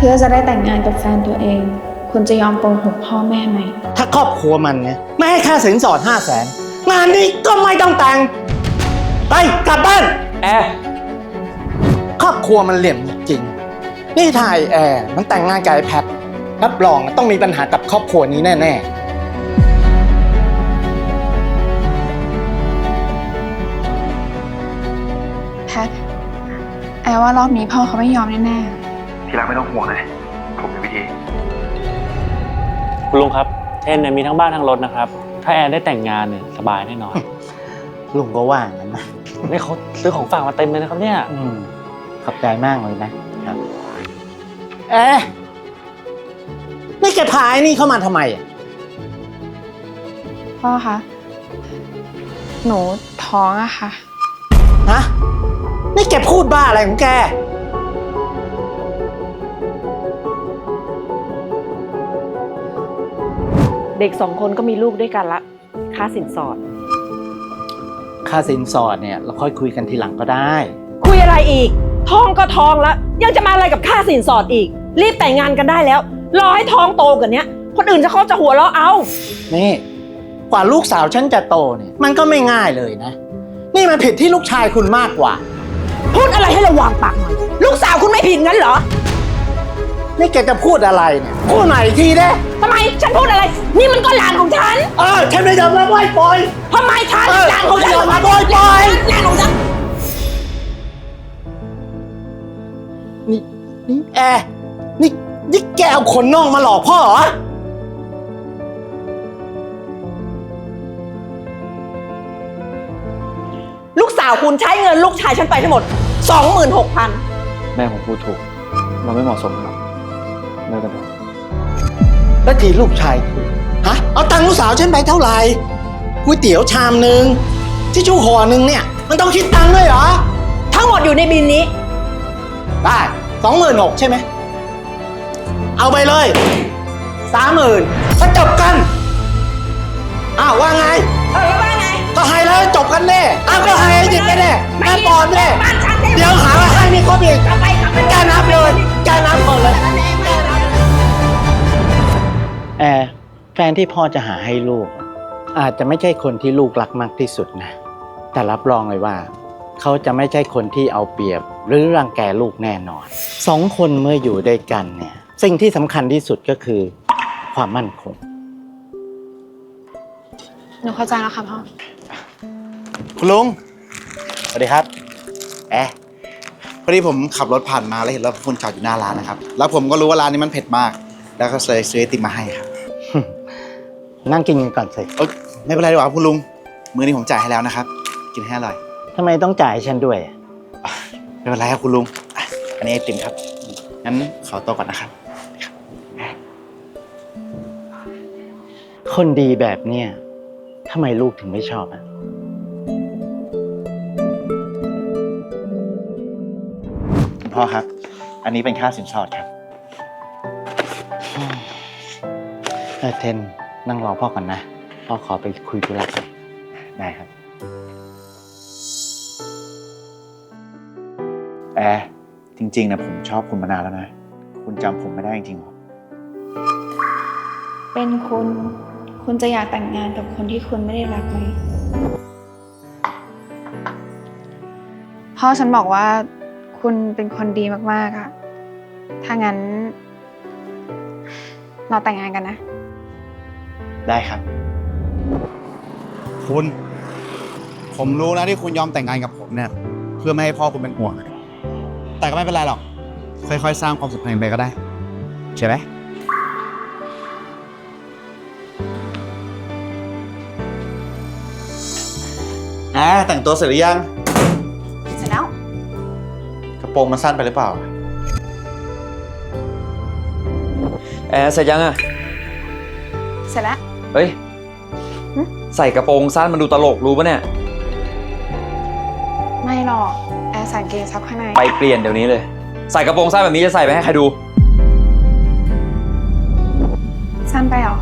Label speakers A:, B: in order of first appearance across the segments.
A: พื่อจะได้แต่งงานกับแฟนตัวเอง คุณจะยอมโกหกพ่อแม่ไหม
B: ถ้าครอบครัวมันเนี่ยไม่ให้ค่าสินสอด500,000 งานนี้ก็ไม่ต้องแต่งไปกลับบ้าน
C: แอร์
B: ครอบครัวมันเหลี่ยมจริงๆนี่ถ่ายแอร์มันแต่งงานกับไอ้แพทรับรองต้องมีปัญหากับครอบครัวนี้แน่
A: แพท แอร์ว่ารอบนี้พ่อเขาไม่ยอมแน่ๆ
D: ที่รักไม่ต้องห่วงเลยผมมีวิธี
C: คุณลุงครับเทนเนี่ยมีทั้งบ้านทั้งรถนะครับถ้าแอนได้แต่งงานเนี่ยสบายแน่นอน
B: ลุงก็ว่างั้นนะ
C: นี่เขาซื้อของฝากมาเต็มเลยนะครับเนี่ย
B: ขอบใจมากเลยนะครับนี่แกพาไอ้นี่เข้ามาทำไมอ่ะ
A: พ่อคะ หนูท้องอะค่ะ
B: ฮะนี่แกพูดบ้าอะไรของแก
E: เด็ก2 คนก็มีลูกด้วยกันละค่าสินสอด
B: ค่าสินสอดเนี่ยเราค่อยคุยกันทีหลังก็ได้
E: คุยอะไรอีกท้องก็ท้องแล้วยังจะมาอะไรกับค่าสินสอดอีก รีบแต่งงานกันได้แล้วรอให้ท้องโตกว่านี้คนอื่นเขาจะหัวเราะเอา
B: นี่กว่าลูกสาวฉันจะโตเนี่ยมันก็ไม่ง่ายเลยนะ นี่มันผิดที่ลูกชายคุณมากกว่า
E: พูดอะไรให้ระวังปากหน่อยลูกสาวคุณไม่ผิดงั้นเหรอ
B: นี่แกจะพูดอะไรเนี่ยพูดใหม่อีกทีได้
E: ทำไมฉันพูดอะไร นี่มันก็หลานของฉัน
B: ฉันไม่ยอมรับไหวปล่อย
E: ทำไมฉันหลานของฉัน
B: ไม่ยอมรับปล่อย
E: หลานของฉัน
B: นี่แอร์นี่แกเอาคนนอกมาหลอกพ่อเหรอ
E: ลูกสาวคุณใช้เงินลูกชายฉันไปทั้งหมด 26,000
C: แม่ผมพูดถูกเราไม่เหมาะสมหรอกเลิกกันเถอะ
B: แล้วทีลูกชายคุณเอาตังค์ลูกสาวฉันไปเท่าไหร่ก๋วยเตี๋ยวชามนึงที่ชู่ห่อนึงเนี่ยมันต้องคิดตังค์ด้วยเหรอ
E: ทั้งหมดอยู่ในบินนี้
B: ได้26,000ใช่ไหมเอาไปเลย30,000ก็จบกันว่าไง
E: แล้วว่าไง
B: ก็ให้แล้วจบกันแน่ก็ให้หยิบไปแน่แม่ปอนแน่
E: บ้านฉัน
B: เดี๋ยวหาว่าให้มีครบอีก
E: กลับไป
B: แกนับเลยแกนับก่อนเลยแฟนที่พ่อจะหาให้ลูกอาจจะไม่ใช่คนที่ลูกรักมากที่สุดนะแต่รับรองเลยว่าเขาจะไม่ใช่คนที่เอาเปรียบหรือรังแกลูกแน่นอน2 คนเมื่ออยู่ด้วยกันเนี่ยสิ่งที่สำคัญที่สุดก็คือความมั่นคง
A: หนูเข้าใจแล้วค่ะพ่อ
D: คุณลุงสวัสดีครับพอดีผมขับรถผ่านมาแล้วเห็นรถคุณจอดอยู่หน้าร้านนะครับแล้วผมก็รู้ว่าร้านนี้มันเผ็ดมากแล้วก็เลยซื้อไอติมมาให้ครับ
B: นั่งกินกันก่อนสิ
D: ไม่เป็นไรดีกว่าคุณลุงมื้อนี้ผมจ่ายให้แล้วนะครับกินให้อร่อย
B: ทำไมต้องจ่ายให้ฉันด้วย
D: ไม่เป็นไรครับคุณลุงอันนี้ไอติมครับงั้นขอตัวก่อนนะครับ
B: คนดีแบบเนี้ยทำไมลูกถึงไม่ชอบ
D: คุณพ่อครับอันนี้เป็นค่าสินสอดครับ
B: เทนนั่งรอพ่อก่อนนะพ่อขอไปคุยธุระก่อนได้ครับ
D: จริงๆนะผมชอบคุณมานานแล้วนะคุณจำผมไม่ได้จริงๆหรอ
A: เป็นคุณจะอยากแต่งงานกับคนที่คุณไม่ได้รักไหม พ่อฉันบอกว่าคุณเป็นคนดีมากๆอะถ้างั้น เราแต่งงานกันนะ
D: ได้ครับคุณผมรู้นะที่คุณยอมแต่งงานกับผมเนี่ยเพื่อไม่ให้พ่อคุณเป็นห่วงแต่ก็ไม่เป็นไรหรอกค่อยๆสร้างความสัมพันธ์ไปก็ได้ใช่ไหมแต่งตัวเสร็จหรือยัง
A: เสร็จแล้ว
D: กระโปรงมันสั้นไปหรือเปล่า
C: แอร์เสร็จยังอ่ะ
A: เสร็จแล้ว
C: เฮ้ยใส่กระโปรงสั้นมันดูตลกรู้ปะเนี่ย
A: ไม่หรอกแอร์ใส่กางเกงซับข้างใน
C: ไปเปลี่ยนเดี๋ยวนี้เลยใส่กระโปรงสั้นแบบนี้จะใส่ไปให้ใครดู
A: สั้นไปเหรอ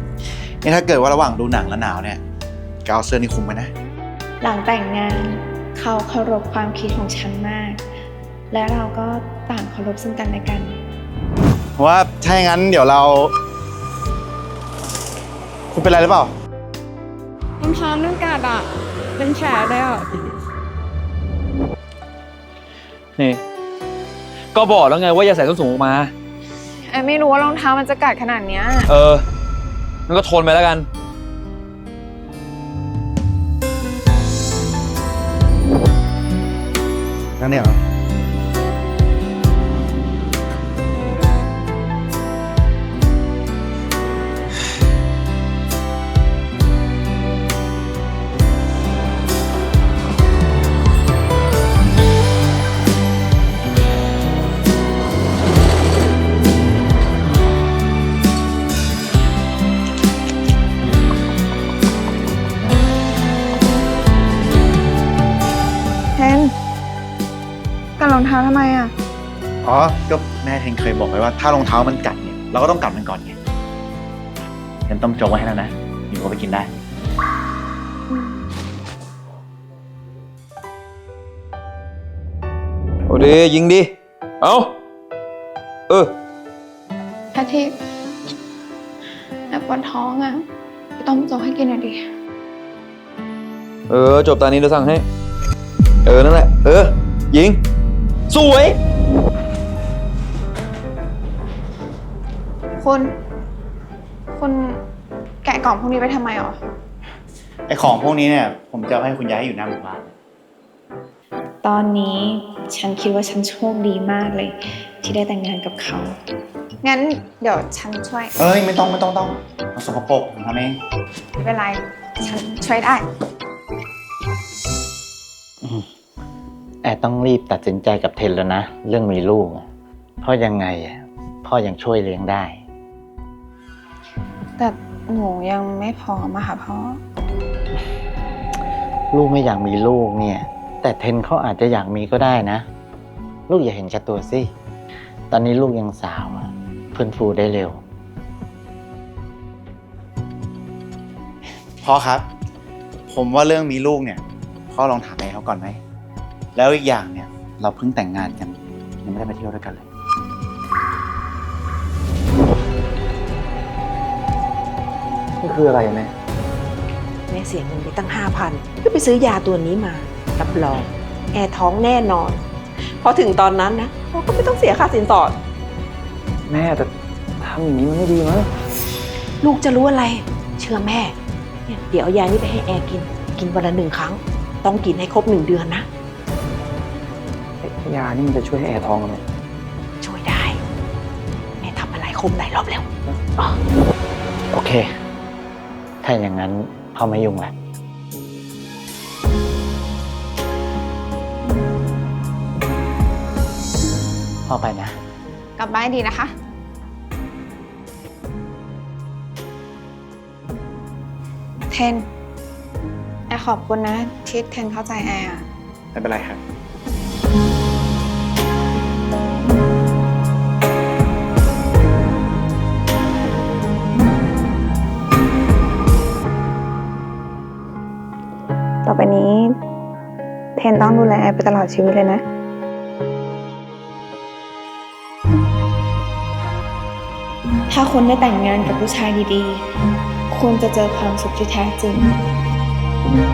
D: นี่ถ้าเกิดว่าระหว่างดูหนังแล้วหนาวเนี่ยก็เอาเสื้อนี่คลุมไว้นะ
A: หลังแต่งงานเขาเคารพความคิดของฉันมาก และเราก็ต่างเคารพซึ่งกันและกัน
D: ว่าถ้าอย่างนั้นเดี๋ยวเรา คุณเป็นไรหรือเปล่า
A: รองเท้านั่นกัดอ่ะ เป็นแผลเลยอ่ะ
F: นี่ ก็บอกแล้วไงว่าอย่าใส่ส้นสูงออกมา
A: แอไม่รู้ว่ารองเท้ามันจะกัดขนาดเนี้ย
F: มันก็ทนไปแล้วกัน
D: นั่นเนี่ยเหรอ
A: เทนกัดรองเท้าทำไมอ่ะ
D: อ๋อ ก็แม่เทนเคยบอกไว้ว่าถ้ารองเท้ามันกัดเนี่ยเราก็ต้องกัดมันก่อนไงเทนต้มโจ๊กไว้ให้แล้วนะอยู่ก็ไปกินได้
F: โอ้ดียิงดิ เอา
A: อาทิตย์แอบปวดท้องอ่ะไปต้มโจ๊กให้กินหน่อยดิ
F: จบตานี้เดี๋ยวสั่งให้ นั่นแหละ ยิง สวย
A: คุณแกะกล่องพวกนี้ไปทำไมหรอ
D: ไอของพวกนี้เนี่ยผมจะเอาให้คุณยายให้อยู่หน้าหมู่บ้าน
A: ตอนนี้ฉันคิดว่าฉันโชคดีมากเลย ที่ได้แต่งงานกับเขา งั้นเดี๋ยวฉันช่วย
D: เอ้ยไม่ต้องมันสกปรกผมทำเอง
A: ไม่เป็นไร ฉันช่วยได้
B: แอร์ต้องรีบตัดสินใจกับเทนแล้วนะ เรื่องมีลูกอะเพราะยังไงอะพ่อยังช่วยเลี้ยงได้
A: แต่หนูยังไม่พร้อมอะค่ะพ่อ
B: ลูกไม่อยากมีลูกเนี่ย แต่เทนเขาอาจจะอยากมีก็ได้นะ ลูกอย่าเห็นแก่ตัวสิ ตอนนี้ลูกยังสาวอะฟื้นฟูได้เร็ว
D: พ่อครับ ผมว่าเรื่องมีลูกเนี่ยพ่อลองถามแม่เขาก่อนไหม แล้วอีกอย่างเนี่ยเราเพิ่งแต่งงานกันยังไม่ได้ไปเที่ยวด้วยกันเลย
F: นี่คืออะไรแม่
E: แม่เสียเงินไปตั้ง 5,000 เพื่อไปซื้อยาตัวนี้มา รับรอง แอร์ท้องแน่นอน พอถึงตอนนั้นนะเราก็ไม่ต้องเสียค่าสินสอด
F: แม่แต่ทำอย่างนี้มันไม่ดีมั้ง
E: ลูกจะรู้อะไร เชื่อแม่เนี่ยเดี๋ยวเอายานี้ไปให้แอร์กิน กินวันละ1 ครั้ง ต้องกินให้ครบ1 เดือนนะ
F: ยานี่มันจะช่วยให้แอร์ท้องไหม
E: ช่วยได้ แม่ทำมาหลายหลายรอบแล้ว
B: โอเค ถ้าอย่างนั้นพ่อไม่ยุ่งละพ่อไปนะ
A: กลับบ้านดีนะคะ เทน แอร์ขอบคุณนะที่เทนเข้าใจแอร์อะ
D: ไม่เป็นไรครับ
A: ต่อไปนี้ เทนต้องดูแลแอร์ไปตลอดชีวิตเลยนะ ถ้าคุณได้แต่งงานกับผู้ชายดีๆ คุณจะเจอความสุขที่แท้จริง